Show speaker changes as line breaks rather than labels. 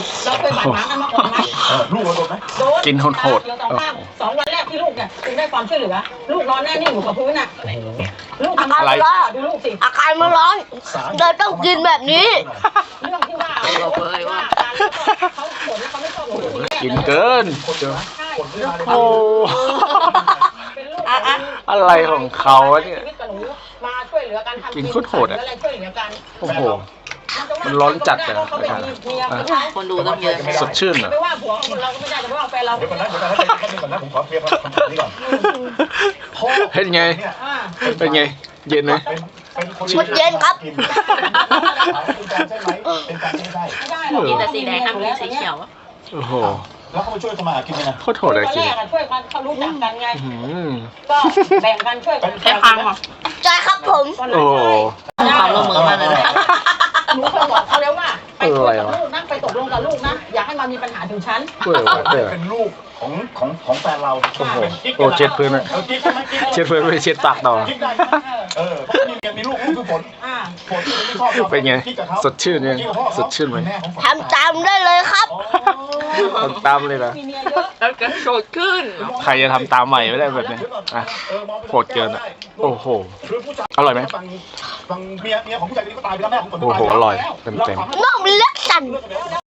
เราเคยบาดหมางกันมาก่อนไหม
ลูกเราโดนไหม
โดนกินโหดสองวันแรกที่ลูกเนี่ยถึงได้ความช่วยเหลือลูกนอนแน่นิ่งอยู่กับพื้นน่ะลูกอะไรดูลูกสิ
อาการมันร้อนเราต้องกินแบบนี้
เรื่องที่ว่าเขาผลเขาไม่ชอบ
กินเกินโอ้อะไรของเขาเนี่ย
มาช่วยเหลือกันทำ
กินโคตรอ่ะโอ้โหมันร้อนจัดเลย
คนดูต้องเยอะ
สดชื่นเหรอ
ไม่ว่าผัวเราก็ไม่ได้แต่ว่าแฟนเรา
เดี๋ยวก่อนนะผมขอเคลียร์คำถามนี้ก่อน
เป็นไงเป็นไงเย็นไหม
ชุดเย็นครับ
กินแต่สีแดงห้ามกินสีเขียว
โอ้โห
แล้วเขาไปช่วยทำมาหากินไหมนะ
โคตรโหดเลยจริง
ช่วยกันเขารู้จักกันไงก็แบ่งกันช่วยกัน
ใช่พังเหรอใช่ครับผม
โอ้
ความร่วมมือมากเลยนะ
หนูเคยบอกเขาแล้วว่าไปคุยกับลูกนะไปตกลงกับลูกนะอย่าให้มันมีปัญหาถึงฉัน
เป็นลูกของแฟนเรา
โอ้โหโอ้เช็ดพื้นเลยเช็ดพื้นไม่เช็ดปากต่อ
เพราะมีลูกคือฝนที่ชอบ
เป็นไงสดชื่นเนี่ยสดชื่นไหม
ทำตามได้เลยครับ
ทำตามเลยนะ
แล้วก็โสดขึ้น
ใครจะทำตามใหม่ไม่ได้แบบนี้อ่ะโหดเกินอ่ะโอ้โหอร่อยไหม
ฟังเมียของผู้ชายคนนี้ก็ตายไปแล้วแม่ของคน
โอ้โหอร่อยเต็ม
น้องเล็กจัน